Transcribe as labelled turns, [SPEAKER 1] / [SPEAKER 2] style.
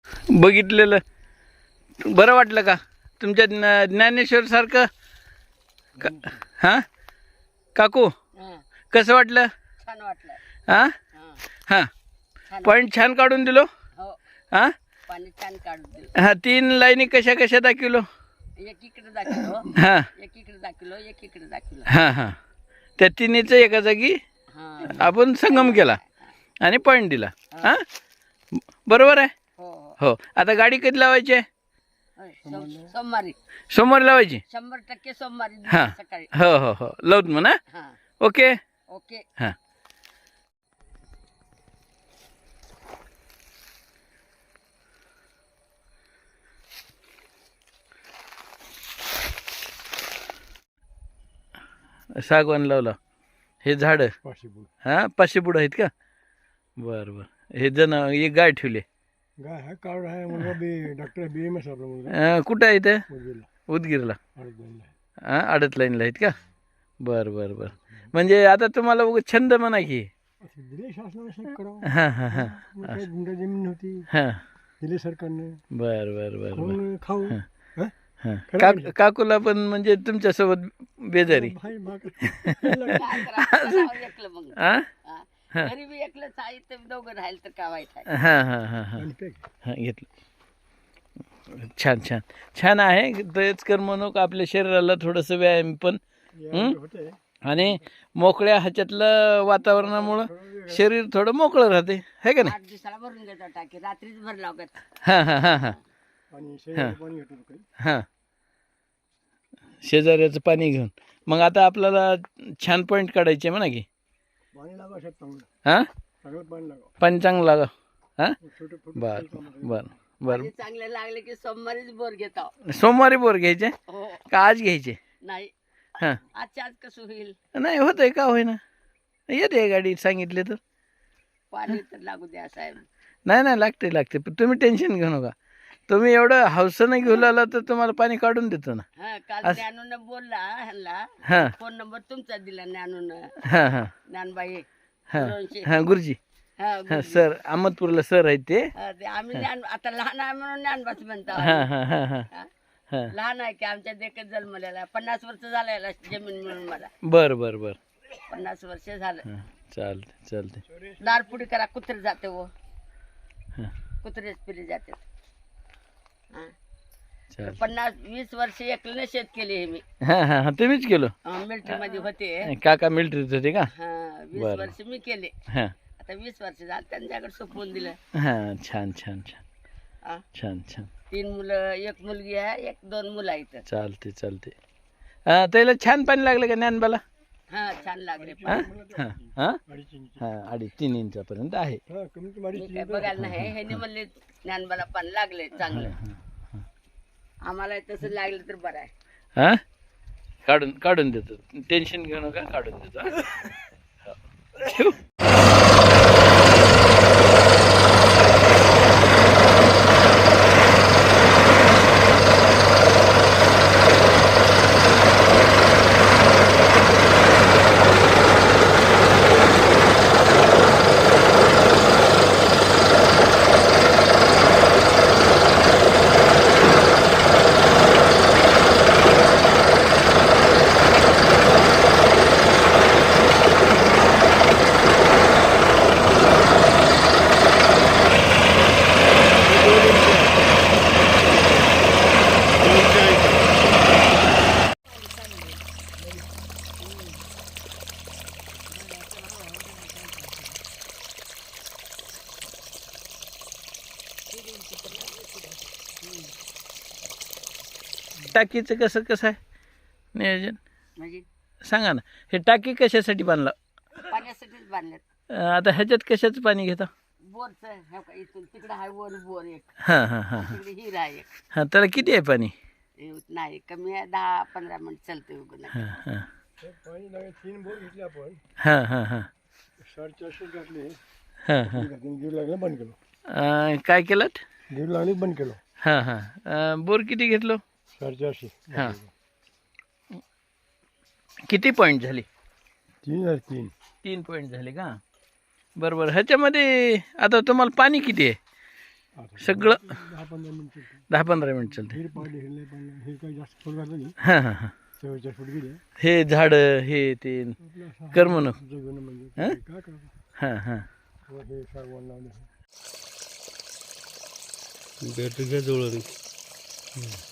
[SPEAKER 1] बघितलेलं बरं वाटलं का तुमच्या ज्ञानेश्वर सारखं हां काकू कसं वाटलं?
[SPEAKER 2] छान वाटलं.
[SPEAKER 1] हां हां पॉईंट छान काढून दिलो.
[SPEAKER 2] हो
[SPEAKER 1] हां
[SPEAKER 2] पाणी छान काढून दिलं.
[SPEAKER 1] हां 3 लाईनी कशा कशा दाखवलो.
[SPEAKER 2] एक इकडे दाखवलो,
[SPEAKER 1] हां
[SPEAKER 2] एक इकडे दाखवलो, एक इकडे दाखवलो.
[SPEAKER 1] हां हां त्या तिन्हीचं एका जागी आपण संगम केला आणि पॉईंट दिला. हां बरोबर आहे.
[SPEAKER 2] हो हो
[SPEAKER 1] हो आता गाडी कधी लावायची आहे?
[SPEAKER 2] सोमवारी
[SPEAKER 1] सोमवारी लावायची.
[SPEAKER 2] 100% सोमवारी
[SPEAKER 1] हां
[SPEAKER 2] सकाळी.
[SPEAKER 1] हो हो हो लावत म्हणा.
[SPEAKER 2] हां
[SPEAKER 1] ओके
[SPEAKER 2] ओके.
[SPEAKER 1] हां सागवान लावला. हे झाडं हां 500 पुढं आहेत का? बरं बरं हे एक गाय ठेवले.
[SPEAKER 3] गाय है कार्ड है मुलगा बी डॉक्टर BMS आपला मुलगा
[SPEAKER 1] कुठं आहे ते?
[SPEAKER 3] मुलगीला
[SPEAKER 1] उदगीरला.
[SPEAKER 3] अडकलेला आहे.
[SPEAKER 1] हां आडत लाईनला आहेत का? बरं बरं बरं म्हणजे आता तुम्हाला उगाच छंद म्हणा की.
[SPEAKER 3] असं दिले शासनाने शेत करावं.
[SPEAKER 1] हां हां हां
[SPEAKER 3] मग काही गुंठा जमीन नव्हती
[SPEAKER 1] हां
[SPEAKER 3] दिले सरकारने
[SPEAKER 1] बरं बरं बरं बरं
[SPEAKER 3] मग खाऊ
[SPEAKER 1] हां काकूला पण म्हणजे तुमच्यासोबत बेजारी.
[SPEAKER 3] भाई बाकी
[SPEAKER 2] काय करावं? एकलं मग.
[SPEAKER 1] हां
[SPEAKER 2] हां. घरी बी एकलंच आहे तर दोघं राहील तर काय वाईट आहे.
[SPEAKER 1] हां हां हां हां हां घेतलं. छान छान छान आहे. तेच करमणूक आपल्या शरीराला थोडंसं व्यायाम पण
[SPEAKER 3] होते
[SPEAKER 1] आणि मोकळ्या ह्याच्यातलं वातावरणामुळं शरीर थोडं मोकळं राहते है का नाही?
[SPEAKER 2] 8 दिवसाला भरून घेतो टाकी, रात्रीच भर लागत.
[SPEAKER 1] हां हां हां हां
[SPEAKER 3] आणि शेजारी पाणी घेतो काही
[SPEAKER 1] हां शेजाऱ्याचं पाणी घेऊन मग आता आपल्याला छान पॉईंट काढायचे म्हणा की.
[SPEAKER 3] पाणी लागा शेत चांगलं
[SPEAKER 1] हां
[SPEAKER 3] सगळं पाणी लागा
[SPEAKER 1] पाणी चांगलं लागा. हां
[SPEAKER 3] छोटे छोटे
[SPEAKER 1] बरं बरं बरं
[SPEAKER 2] आणि चांगले लागले की सोमवारीच बोर घेतो.
[SPEAKER 1] सोमवारी बोर घ्यायचे
[SPEAKER 2] हो
[SPEAKER 1] का आज घ्यायचे?
[SPEAKER 2] नाही
[SPEAKER 1] हां
[SPEAKER 2] आजच्या आज कसं होईल?
[SPEAKER 1] नाही होतंय का होईना येते गाडी सांगितले तर.
[SPEAKER 2] पाणी तर लागू द्या साहेब.
[SPEAKER 1] नाही नाही लागते पण तुम्ही टेन्शन घेऊ नका. तुम्ही एवढं हौसनं घेऊन आला तर तुम्हाला पाणी काढून देतो ना.
[SPEAKER 2] हा काल ज्ञानून बोलला ह्यांना
[SPEAKER 1] हां
[SPEAKER 2] फोन नंबर तुमचा दिला ज्ञानून.
[SPEAKER 1] हां हां
[SPEAKER 2] ज्ञानबाई
[SPEAKER 1] हां
[SPEAKER 2] गुरुजी.
[SPEAKER 1] हां गुरुजी
[SPEAKER 2] हा
[SPEAKER 1] हां सर अहमदपूरला सर आहेत ते.
[SPEAKER 2] ते आम्ही ज्ञान आता लहान आहे म्हणून ज्ञानबाच म्हणतो.
[SPEAKER 1] हां हां हां हां
[SPEAKER 2] हा?
[SPEAKER 1] हां
[SPEAKER 2] लहान आहे की आमच्या देखत जन्मलेला 50 वर्ष झालं याला जमीन मिळून मला.
[SPEAKER 1] बरं बरं बरं
[SPEAKER 2] 50 वर्ष झालं.
[SPEAKER 1] हां चालते
[SPEAKER 2] दारपुडी करा कुत्रे जाते व
[SPEAKER 1] हां
[SPEAKER 2] कुत्रेच पिले जाते. हा.
[SPEAKER 1] चालते
[SPEAKER 2] 50-20 वर्ष एकलं शेत केले हे मी.
[SPEAKER 1] हां हां हां तुम्हीच केलो.
[SPEAKER 2] मिलिटरी मध्ये होते.
[SPEAKER 1] काका मिलिटरीत होते का?
[SPEAKER 2] हा 20
[SPEAKER 1] बरं.
[SPEAKER 2] वर्ष मी केले.
[SPEAKER 1] हां
[SPEAKER 2] आता 20 वर्ष झालं त्यांच्याकडे सोपवून दिलं.
[SPEAKER 1] हां छान छान छान
[SPEAKER 2] हा.
[SPEAKER 1] छान छान
[SPEAKER 2] 3 मुलं, 1 मुलगी आहे, 2 मुलं आहेत.
[SPEAKER 1] चालते त्याला छान पाणी लागलं का ज्ञानबाला?
[SPEAKER 2] हा छान लागले.
[SPEAKER 1] हां हां हां
[SPEAKER 3] 2.5 इंच
[SPEAKER 1] हां 2.5-3 इंचापर्यंत आहे.
[SPEAKER 3] हा कमी कमी
[SPEAKER 2] मी
[SPEAKER 3] 2.5
[SPEAKER 2] काय बघायला नाही. ह्याने म्हणले ज्ञानबाला पाणी लागले चांगलं. आम्हाला तसं लागलं तर बरं आहे.
[SPEAKER 1] हां काढून देतो टेन्शन घेऊ नका काढून देतो. हां. ठेवू? टाकीचं कसं आहे नियोजन
[SPEAKER 2] म्हणजे
[SPEAKER 1] सांगा ना. हे टाकी कशासाठी बांधलं?
[SPEAKER 2] पाण्यासाठीच बांधल्यात.
[SPEAKER 1] आता ह्याच्यात कशाचं पाणी घेता?
[SPEAKER 2] बोरचं हे का इथून तिकडं आहे वर बोर एक,
[SPEAKER 1] हां हां हां
[SPEAKER 2] तिकडे हिर आहे एक.
[SPEAKER 1] हां त्याला किती आहे पाणी?
[SPEAKER 2] नाही कमी आहे 10-15 मिनिट चालते उगं नाही.
[SPEAKER 1] हां हां
[SPEAKER 3] पाणी लागे 3 बोर घेतले आपण
[SPEAKER 1] हां हां हां
[SPEAKER 3] 450 घातले.
[SPEAKER 1] हां हां
[SPEAKER 3] गिर लागले बंद केलो.
[SPEAKER 1] काय केलं?
[SPEAKER 3] गिर लागले बंद केलो.
[SPEAKER 1] हां हां बोर किती घेतलो?
[SPEAKER 3] 450.
[SPEAKER 1] हां किती पॉईंट झाली?
[SPEAKER 3] 3
[SPEAKER 1] पॉईंट झाले का? बरोबर. ह्याच्यामध्ये आता तुम्हाला पाणी किती आहे? सगळं
[SPEAKER 3] 10-15 मिनिटं
[SPEAKER 1] 10-15 मिनिट चालते.
[SPEAKER 3] हिर पाडली हिरले पण हिर काही जास्त फुल घातलं नाही.
[SPEAKER 1] हां हां हां.
[SPEAKER 3] 44 फूट गेले.
[SPEAKER 1] हे झाडं हे ते
[SPEAKER 3] आपलं असं
[SPEAKER 1] करमणूक.
[SPEAKER 3] जगणं म्हणजे
[SPEAKER 1] हं?
[SPEAKER 3] काय करायचं.
[SPEAKER 1] हां हां.
[SPEAKER 3] हे सागवान लावले.
[SPEAKER 4] बॅटरी घ्या जवळ